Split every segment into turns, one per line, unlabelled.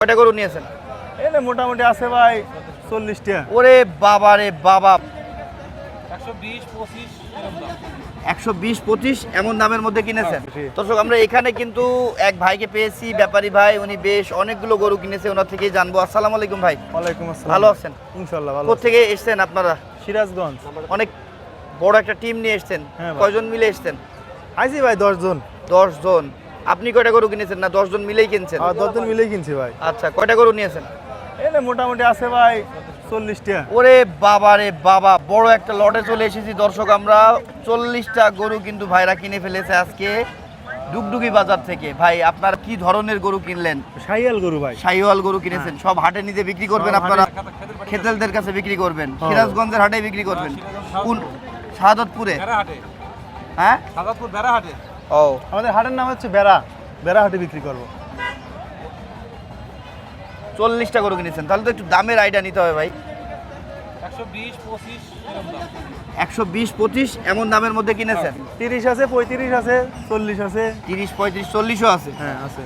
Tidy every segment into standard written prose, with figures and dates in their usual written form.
কয়টা গরু নিয়েছেন?
এলে মোটামুটি আছে ভাই 40টা।
ওরে বাবা রে বাবা, 120-25 এমন দামের মধ্যে কিনেছেন। দর্শক আমরা এখানে কিন্তু এক ভাইকে পেয়েছি, ব্যাপারী ভাই, উনি বেশ অনেকগুলো গরু কিনেছে, ওনার থেকেই জানবো। আসসালামু আলাইকুম ভাই।
ওয়ালাইকুম আসসালাম।
ভালো আছেন?
ইনশাআল্লাহ ভালো।
কোথা থেকে এসেছেন আপনারা?
সিরাজগঞ্জ।
অনেক বড় একটা টিম নিয়ে এসেছেন।
হ্যাঁ ভাই।
কয়জন মিলে এসেছেন?
আইছি ভাই 10 জন।
10 জন। আপনি কয়টা গরু কিনেছেন? না 10 জন মিলেই কিনছেন?
10 জন মিলেই কিনছি ভাই।
আচ্ছা, কয়টা গরু নিয়েছেন?
এলে মোটামুটি আছে ভাই 40টা।
ওরে বাবা রে বাবা, বড় একটা লটে চলে এসেছি দর্শক। আমরা 40টা গরু কিন্তু ভাইরা কিনে ফেলেছে আজকে ডুগডুগি বাজার থেকে। ভাই আপনার কি ধরনের গরু কিনলেন?
শাহিয়াল গরু ভাই।
শাহিওয়াল গরু কিনেছেন। সব হাটে নিতে বিক্রি করবেন আপনারা? খেতেলদের কাছে বিক্রি করবেন? সিরাজগঞ্জের হাটে বিক্রি করবেন? কোন শাহাদতপুরে? হ্যাঁ,
শাহাদতপুর বেড়াহাটে।
ও,
আমাদের হাটের নাম হচ্ছে বেড়া হাটে বিক্রি করব।
40টা গরু কিনেছেন, তাহলে তো একটু দামের আইডিয়া নিতে হবে ভাই।
120-25 এরকম দাম।
120-25 এমন দামের মধ্যে কিনেছেন?
30 আছে, 35 আছে, 40 আছে।
30, 35, 40ও আছে।
হ্যাঁ আছে।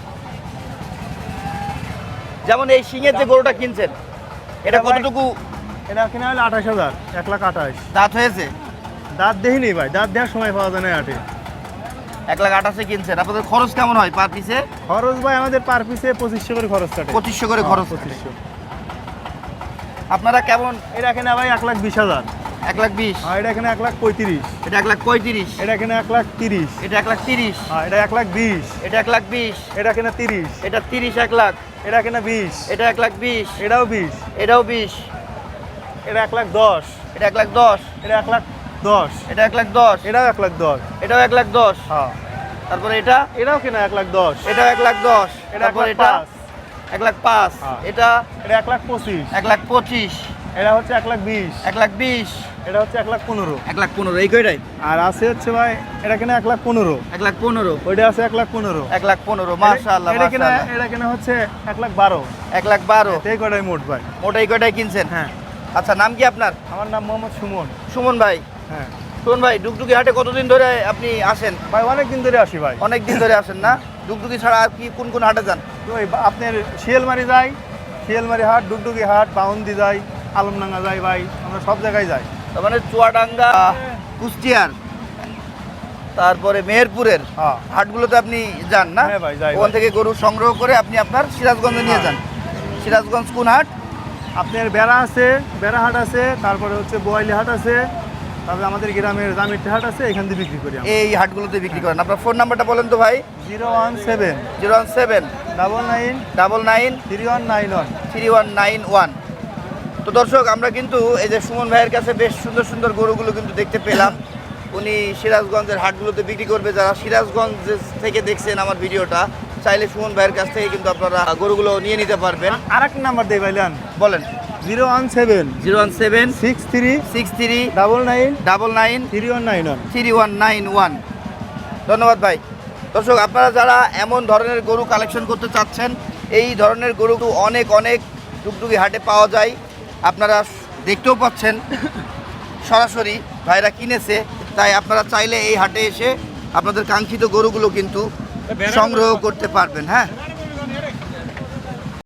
যেমন এই সিংয়ের যে গরুটা কিনছেন, এটা কতটুকু
এটা কিনা হলো 28,000, 1,28,000।
দাঁত হয়েছে?
দাঁত দেখিনি ভাই, দাঁত দেওয়ার সময় পাওয়া যায় না হাটে।
1,28,000 কিনছেন। আপনাদের খরচ কেমন হয় পার পিসে?
খরচ ভাই আমাদের পার পিসে 2500 করে খরচ কাটে।
2500 করে খরচ কাটে।
2500।
আপনারা কেমন?
এটা কিনা ভাই 1,20,000।
1,20,000।
আর এটা কিনা 1,35,000।
এটা 1,35,000।
এটা কিনা 1,30,000।
এটা 1,30,000।
আর এটা 1,20,000।
এটা 1,20,000।
এটা কিনা 30।
এটা 30, 1,00,000।
এটা কিনা 20।
এটা 1,20,000।
এটাও 20।
এটাও 20।
এটা 1,10,000।
এটা 1,10,000।
এটা 1,10,000।
এটা 1,10,000।
এটাও 1,10,000।
এটাও 1,10,000।
হ্যাঁ।
তারপরে এটা
এটাও কিনা 1,10,000।
এটাও 1,10,000।
এটা
তারপর এটা
1,05,000।
1,05,000।
হ্যাঁ।
এটা
এটা 1,25,000।
1,25,000।
এটা হচ্ছে 1,20,000।
1,20,000।
এটা হচ্ছে 1,15,000।
1,15,000। এই কয়টাই?
আর আছে হচ্ছে ভাই এটা কিনা 1,15,000।
1,15,000।
ওইটা আছে 1,15,000।
1,15,000। মাশাআল্লাহ,
এটা কিনা
মাশাআল্লাহ।
এটা কিনা হচ্ছে 1,12,000।
1,12,000।
এই কটাই মোট ভাই।
মোটাই কয়টাই কিনছেন?
হ্যাঁ।
আচ্ছা, নাম কি আপনার?
আমার নাম মোহাম্মদ সুমন।
সুমন ভাই।
হ্যাঁ
সুমন ভাই, ডুগডুগি হাটে কতদিন ধরে আপনি আসেন?
ভাই অনেক দিন ধরে আসি ভাই।
অনেক দিন ধরে আসেন না? ডুগডুগি ছাড়া আর কি কোন কোন হাটে যান?
তো আপনার শিয়ালমারি যাই, শিয়ালমারি হাট, ডুগডুগি হাট, বাউন্দি যাই, আলমডাঙ্গা যাই ভাই, আমরা সব জায়গায় যাই।
তার মানে চুয়াডাঙ্গা, কুষ্টিয়ার, তারপরে মেহেরপুরের
হ্যাঁ
হাটগুলোতে আপনি যান না?
হ্যাঁ ভাই, যাই
ওখান
ভাই।
থেকে গরু সংগ্রহ করে আপনি আপনার সিরাজগঞ্জে নিয়ে যান। সিরাজগঞ্জ কোন হাট?
আপনার বেড়া আছে, বেড়া হাট আছে, তারপরে হচ্ছে বোয়ালি হাট আছে, তারপরে আমাদের গ্রামের জামিরটি হাট আছে, এখান থেকে বিক্রি করি আমরা।
এই হাটগুলোতে বিক্রি করেন। আপনার ফোন নাম্বারটা বলেন তো ভাই।
017
017
99
99
3191।
3191। তো দর্শক আমরা কিন্তু এই যে সুমন ভাইয়ের কাছে বেশ সুন্দর সুন্দর গরুগুলো কিন্তু দেখতে পেলাম। উনি সিরাজগঞ্জের হাটগুলোতে বিক্রি করবে। যারা সিরাজগঞ্জ থেকে দেখছেন আমার ভিডিওটা, চাইলে সুমন ভাইয়ের কাছ থেকে কিন্তু আপনারা গরুগুলো নিয়ে নিতে পারবেন।
আর একটা নাম্বার দেই ভাইলান,
বলেন।
017
017
63
63
99
99
3191।
3191। ধন্যবাদ ভাই। দর্শক আপনারা যারা এমন ধরনের গরু কালেকশন করতে চাচ্ছেন, এই ধরনের গরু অনেক অনেক ডুগডুগি হাটে পাওয়া যায়। আপনারা দেখতেও পাচ্ছেন সরাসরি ভাইরা কিনেছে। তাই আপনারা চাইলে এই হাটে এসে আপনাদের কাঙ্ক্ষিত গরুগুলো কিন্তু সংগ্রহ করতে পারবেন। হ্যাঁ।